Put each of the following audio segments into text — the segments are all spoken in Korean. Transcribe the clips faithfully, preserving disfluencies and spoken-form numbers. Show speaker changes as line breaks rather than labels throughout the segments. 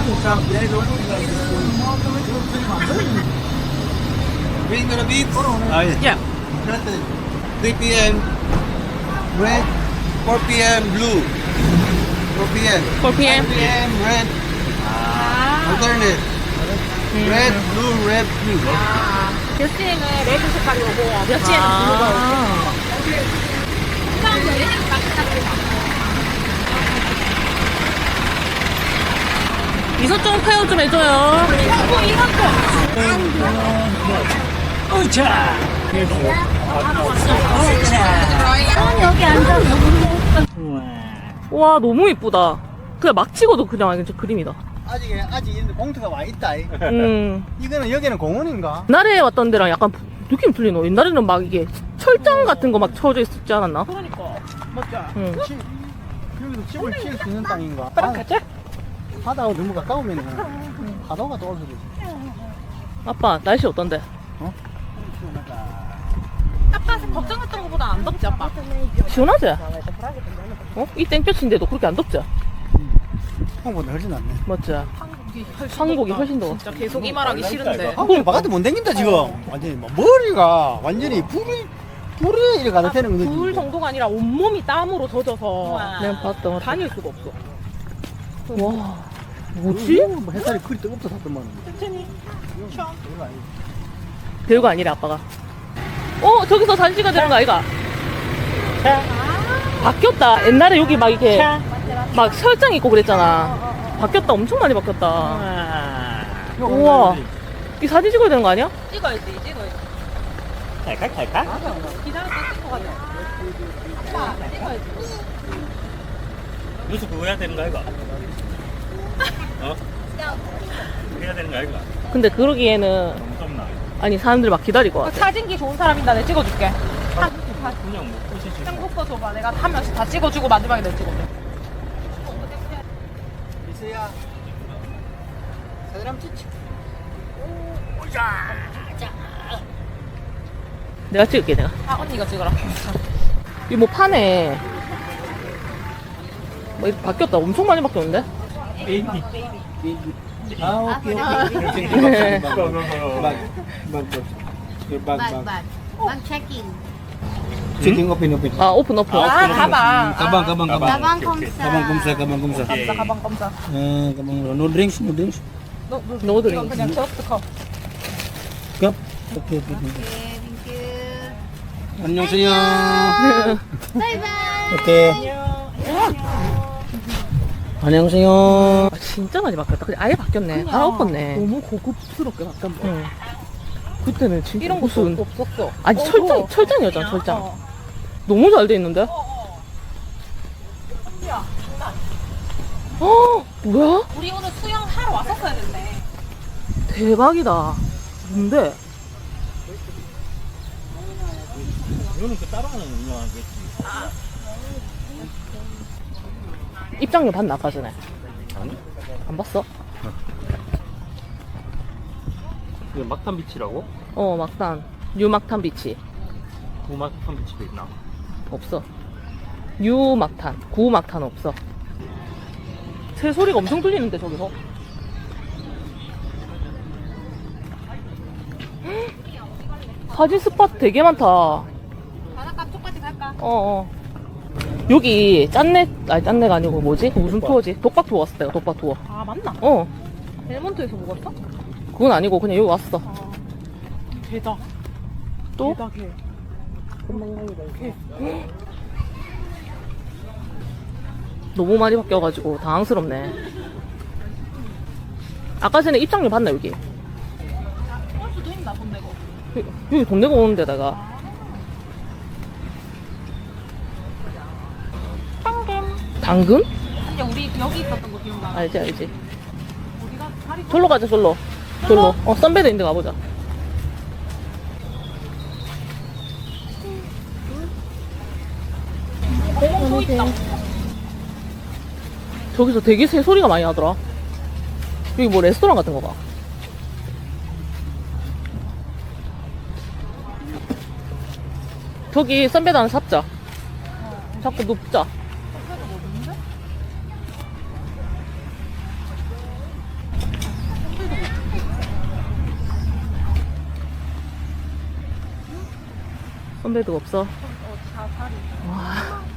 Green gonna be
Oh, yeah.
Yeah.
three p m red, four p m blue, four p m
four p m.
five p m red, alternate. Red, blue, red, blue.
몇 시에는 레드 색깔이 오고 몇 시에는 블루가 오고.
미소 좀 표현 좀 해줘요.
이거 이것도.
어차.
여기 앉아.
와 너무 이쁘다. 그냥 막 찍어도 그냥 진짜 그림이다.
아직 아직 있는데 봉투가 와 있다. 이.
음.
이거는 여기는 공원인가?
옛날에 왔던 데랑 약간 느낌 틀리노. 옛날에는 막 이게 철장 같은 거 막 쳐져 있었지 않았나?
그러니까.
맞자.
응.
치, 여기도 집을 지을 수 있는 땅인가?
아빠랑 가자.
바다하고 너무 가까우면 파도가 떠올 수도 있어.
아빠 날씨 어떤데?
아빠 걱정했던 것보다 안 덥지 아빠.
시원하지? 어? 이 땡볕인데도 그렇게 안 덥지?
한국보다 훨씬 낫네.
맞지?
한국이 훨씬
한국이
덥다.
훨씬 더워.
진짜 계속 이 말하기 싫은데.
한국이 바깥에 못 댕긴다 지금. 완전히 막 머리가 완전히 불이 불이 이래 가다 되는 거지.
불 정도가 아니라 온몸이 땀으로 젖어서
내가 봤다.
다닐 수가 없어.
와 뭐지?
뭐 햇살이 그리 뜨겁다 샀더만.
별거 아니래 아빠가. 어 저기서 사진 찍어야 되는 거 아이가? 바뀌었다. 옛날에 여기 막 이렇게 막 설정 있고 그랬잖아. 바뀌었다. 엄청 많이 바뀌었다. 우와. 이 사진 찍어야 되는 거 아니야?
찍어야지 찍어야지.
잘까 잘까?
기다렸다 찍고 가자. 아빠 찍어야지.
뉴스 그거 해야 되는 거 아이가? 어? 그거 해야 되는 거 아이가?
근데 그러기에는
너무 덥나?
아니 사람들 막 기다릴 것 같아.
사진기 좋은 사람이다 내가 찍어줄게.
그냥 뭐 꽃이
한국거 줘봐. 내가 한 명씩 다 찍어주고 마지막에 내가 찍어줘.
이수야. 사진 한번 찍지.
내가 찍을게 내가.
아 언니가 찍어라.
이 뭐 파네. 뭐 이렇게 바뀌었다. 엄청 많이 바뀌었는데?
아 오케이 오케이. 막, 막, 막.
Bag, bag. Bag checking.
채팅 오픈 오픈.
아 오픈 오픈.
아 가방.
가방 가방 가방.
Gabang komsa.
가방 검사 가방 검사.
검사 가방 검사.
어 가방 노 드링ks 노 드링ks.
너, 너,
노 드링크.
이건 그냥 저스트 컵.
컵. 오케이 오케이.
Okay, thank you.
안녕하세요.
Bye bye.
오케이. 안녕하세요.
아, 진짜 많이 바뀌었다. 근데 아예 바뀌었네. 다 엎었네.
너무 고급스럽게 바뀌었네.
응. 그때는 진짜
이런 것도
무슨
없었어.
아니
어,
철장
어.
철장이었잖아 철장.
어.
너무 잘 돼 있는데? 어 뭐야?
우리 오늘 수영 하러 왔었어야 됐네.
대박이다. 뭔데?
이거는 그 따로 하는 운영하겠지.
입장료 봤나 아까 전에?
아니?
안 봤어?
이거 막탄 비치라고?
어 막탄 뉴막탄 비치
구막탄 비치도 있나?
없어. 뉴막탄 구막탄 없어. 새 소리가 엄청 들리는데 저기서. 헉, 사진 스팟 되게 많다. 어
바닷가 쪽까지 갈까?
어. 여기 짠내 아니 짠내가 아니고 뭐지? 무슨 투어지? 독박 투어 왔을 때가 독박 투어.
아 맞나?
어
벨몬트에서 먹었어?
그건 아니고 그냥 여기 왔어.
아 대박.
또?
대박해.
너무 많이 바뀌어가지고 당황스럽네. 아까 전에 입장료 봤나 여기?
올 수도 있나 돈 내고.
여기, 여기 돈 내고 오는 데다가
당근.
당근?
근데 우리 여기 있었던 거 기억나?
알지 알지.
우리가 다리
절로 가자 절로. 절로. 어 선배도 있는데 가보자.
공원 또 있다.
저기서 되게 새 소리가 많이 나더라. 여기 뭐 레스토랑 같은 거 봐. 저기 선배도 하나 잡자. 자꾸 눕자. 선배도 없어. 와.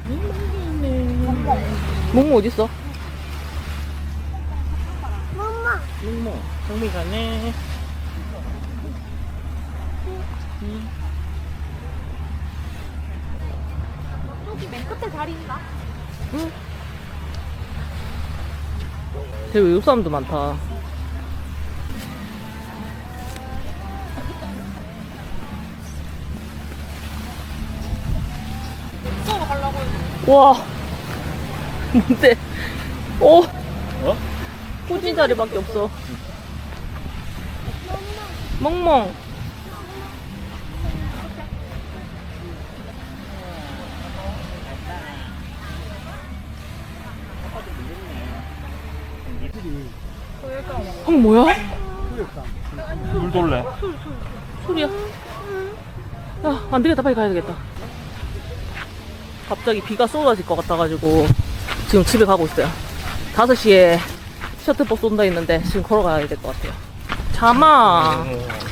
몽모 어딨어?
뭐, 정미 가네.
저기 맨 끝에 다리 있나?
되게 외국 사람도 많다.
저거 가려고 했는데.
와. 뭔데? 오.
어?
후진 자리밖에 없어. 멍멍. 어, 뭐야?
물 돌래.
소리야. 야, 안 되겠다. 빨리 가야 되겠다. 갑자기 비가 쏟아질 것 같아가지고 지금 집에 가고 있어요. 다섯 시에 셔틀버스 온다 했는데 지금 걸어가야 될 것 같아요. 잠아.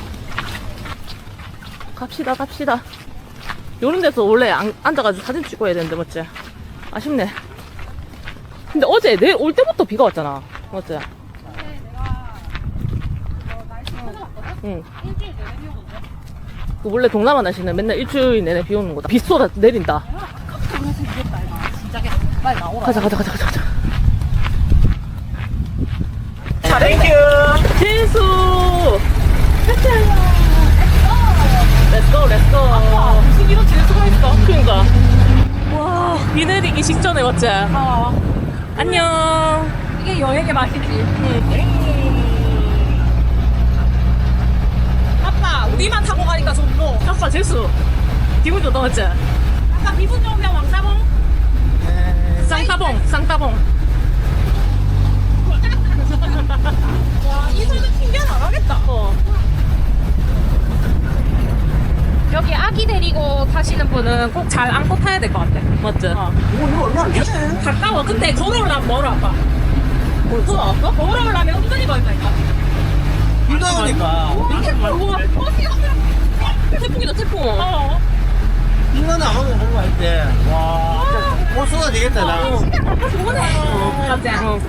갑시다, 갑시다. 요런 데서 원래 안, 앉아가지고 사진 찍어야 되는데, 맞지? 아쉽네. 근데 어제 내일 올 때부터 비가 왔잖아. 맞지? 응. 그 원래 동남아 날씨는 맨날 일주일 내내 비 오는 거다. 비 쏟아 내린다.
빨리 나오라.
가자, 가자, 가자, 가자, 가자.
땡큐.
재수! 렛츠고, 렛츠고.
무슨 이런 재수가 있어?
그니까. 와, 비 내리기 직전에 맞지?
아,
안녕.
이게 여행의 맛이지. 아빠, 우리만 타고 가니까 좋노.
아빠 재수. 기분 좋다, 맞지?
아빠 기분 좋으면 왕따봉.
쌍따봉, 쌍따봉.
와, 이 소리 튕겨 나가겠다.
어.
여기 아기 데리고 타시는 분은 꼭 잘 안고 타야 될 것 같아.
맞지?
어. 가까워. 근데 걸어오려면 멀어, 아빠.
벌써?
걸어오려면 은근히 멀다니까.
힘나니까.
이렇게 걸고, 어,
태풍이다, 태풍.
어.
힘나는 안 하고 보고 할 때. 와. 못 쏟아 되겠다, 나.
좋네. 맞지?
어.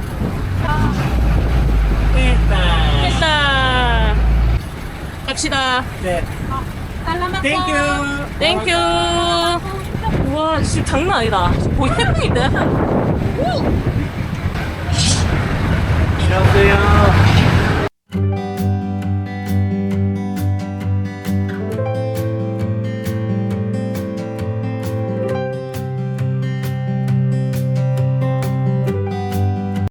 됐다.
됐다. 갑시다.
네.
살라마코.
땡큐.
땡큐. 우와, 진짜 장난 아니다. 거의 태풍인데?
안녕하세요.